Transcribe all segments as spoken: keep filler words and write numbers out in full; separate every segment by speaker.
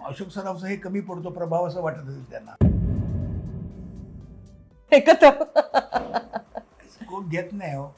Speaker 1: अशोक सराफचं हे कमी पडतो प्रभाव असं वाटत असेल त्यांना.
Speaker 2: एकत्र
Speaker 1: कोण घेत नाही हो.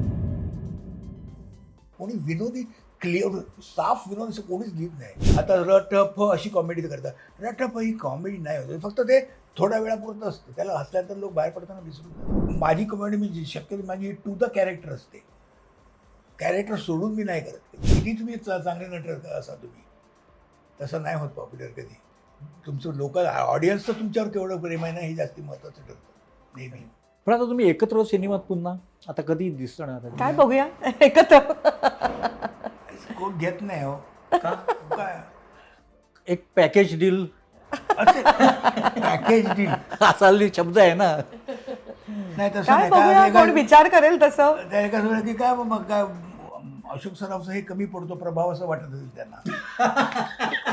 Speaker 1: कोणी विनोदी क्लिअर साफ विनोद असं कोणीच घेत नाही. आता रटफ अशी कॉमेडी करतात. रटफ ही कॉमेडी नाही होत, फक्त ते थोड्या वेळापुरतं असतं. त्याला हसल्यानंतर लोक बाहेर पडताना विसरून जातात. माझी कॉमेडी मी शक्यतो माझी टू द कॅरेक्टर असते. कॅरेक्टर सोडून मी नाही करत. किती तुम्ही चांगले नट असा तुम्ही तसं नाही होत पॉप्युलर कधी. तुमचं लोकल ऑडियन्सचं तुमच्यावर केवढं प्रेम आहे ना हे जास्ती महत्त्वाचं ठरतं नेहमी.
Speaker 3: पण आता तुम्ही एकत्र सिनेमात पुन्हा आता कधी दिसणार?
Speaker 2: काय बघूया एकत्र.
Speaker 1: कोण घेत नाही हो.
Speaker 3: का?
Speaker 1: काय
Speaker 3: एक पॅकेज डील
Speaker 1: असे पॅकेज डील
Speaker 3: असा शब्द आहे ना.
Speaker 1: नाही तसं
Speaker 2: काय
Speaker 1: नाही.
Speaker 2: बघूया
Speaker 1: काय
Speaker 2: कोण विचार करेल तसं.
Speaker 1: त्या एका वेळेला की काय मग काय अशोक सराफचं हे कमी पडतो प्रभाव असं वाटत असेल त्यांना.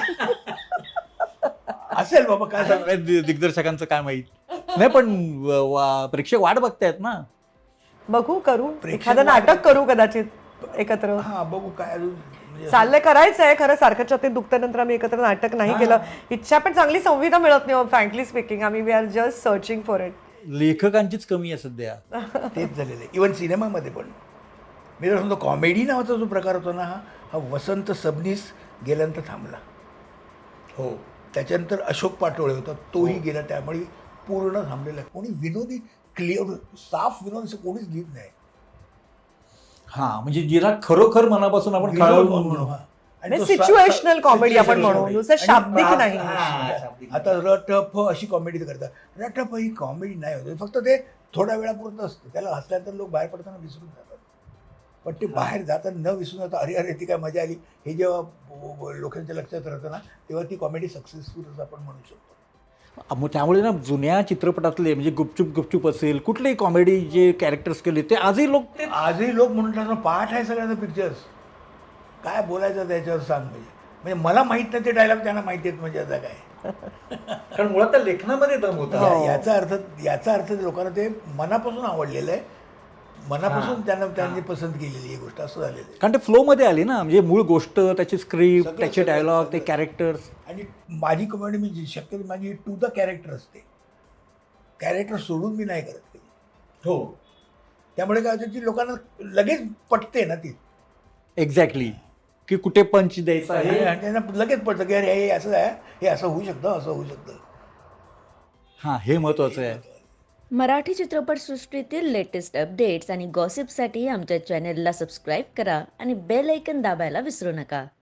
Speaker 1: असेल बाबा काय सांगू.
Speaker 3: दि- दिग्दर्शकांचं काय माहित नाही, पण व- वा- प्रेक्षक वाट बघतायत ना.
Speaker 2: बघू करू
Speaker 1: प्रेक्षक
Speaker 2: एखादं नाटक
Speaker 1: वाट-
Speaker 2: करू कदाचित एकत्र.
Speaker 1: हा बघू काय अजून म्हणजे
Speaker 2: चाललंय करायचंय खरं. सारखं छातीत दुखत्यानंतर आम्ही एकत्र नाटक नाही केलं. इच्छा पण चांगली संविधा मिळत नाही फ्रँकली स्पीकिंग. आम्ही we are just searching for it.
Speaker 3: लेखकांचीच कमी आहे सध्या.
Speaker 1: तेच झालेलं आहे. इव्हन सिनेमामध्ये पण मी जर समजा कॉमेडी नावाचा जो प्रकार होता ना हा हा वसंत सबनीस गेल्यानंतर थांबला. हो त्याच्यानंतर अशोक पाटोळे होता तोही गेला. त्यामुळे पूर्ण थांबलेला आहे. कोणी विनोदी क्लिअर साफ विनोद असं कोणीच घेत नाही.
Speaker 3: हा म्हणजे जिला खरोखर मनापासून आपण
Speaker 1: विनोद
Speaker 3: खळवून
Speaker 1: म्हणून, हा. आणि तो सा-
Speaker 2: सिच्युएशनल कॉमेडी आपण
Speaker 1: situational
Speaker 2: म्हणू
Speaker 1: comedy.
Speaker 2: नुसतं
Speaker 1: आणि
Speaker 2: शाब्दिक
Speaker 1: हा-
Speaker 2: नाही.
Speaker 1: हा. आता रटफ अशी कॉमेडी करतात. रटफ ही कॉमेडी नाही होत, फक्त ते थोड्या वेळापुरतं असतं. त्याला हसल्यानंतर लोक बाहेर पडताना विसरून जातात. पण ते बाहेर जाताना न विसरून जाता अरे अरे ती काय मजा आली हे जेव्हा ब- ब- लोकांच्या लक्षात राहतं ना तेव्हा ती कॉमेडी सक्सेसफुल असं आपण म्हणू शकतो.
Speaker 3: मग त्यामुळे ना जुन्या चित्रपटातले म्हणजे गुपचूप गुपचूप असेल कुठलेही कॉमेडी जे कॅरेक्टर्स केले ते आजही लोक ते
Speaker 1: आजही लोक म्हणतात ना पाठ आहे सगळ्यांचा पिक्चर्स काय बोलायचं त्याच्यावर सांग म्हणजे म्हणजे मला माहीत नाही ते डायलॉग त्यांना माहिती आहेत म्हणजे आता काय.
Speaker 3: कारण मुळात त्या लेखनामध्ये दम होता.
Speaker 1: या- याचा अर्थ याचा अर्थ लोकांना ते मनापासून आवडलेलं आहे. मनापासून त्यांना त्यांनी पसंत केलेली ही गोष्ट असं झालेलं आहे.
Speaker 3: कारण ते फ्लोमध्ये आली ना. म्हणजे मूळ गोष्ट त्याची स्क्रिप्ट
Speaker 1: सगळं-
Speaker 3: त्याचे
Speaker 1: सगळं-
Speaker 3: डायलॉग ते
Speaker 1: सगळं.
Speaker 3: कॅरेक्टर्स.
Speaker 1: आणि माझी कॉमेडी मी शक्यतो माझी टू द कॅरेक्टर असते. कॅरेक्टर सोडून मी नाही करत कधी.
Speaker 3: हो
Speaker 1: त्यामुळे काय होतं की लोकांना लगेच पटते ना ती.
Speaker 3: एक्झॅक्टली की कुठे पंच द्यायचा
Speaker 1: हे
Speaker 3: आहे.
Speaker 1: आणि त्यांना लगेच पडतं की अरे हे असं आहे हे असं होऊ शकतं असं होऊ शकतं.
Speaker 3: हां हे महत्वाचं आहे.
Speaker 4: मराठी चित्रपटसृष्टीतील लेटेस्ट अपडेट्स आणि गॉसिपसाठी आमच्या चॅनेलला सबस्क्राईब करा आणि बेल ऐकन दाबायला विसरू नका.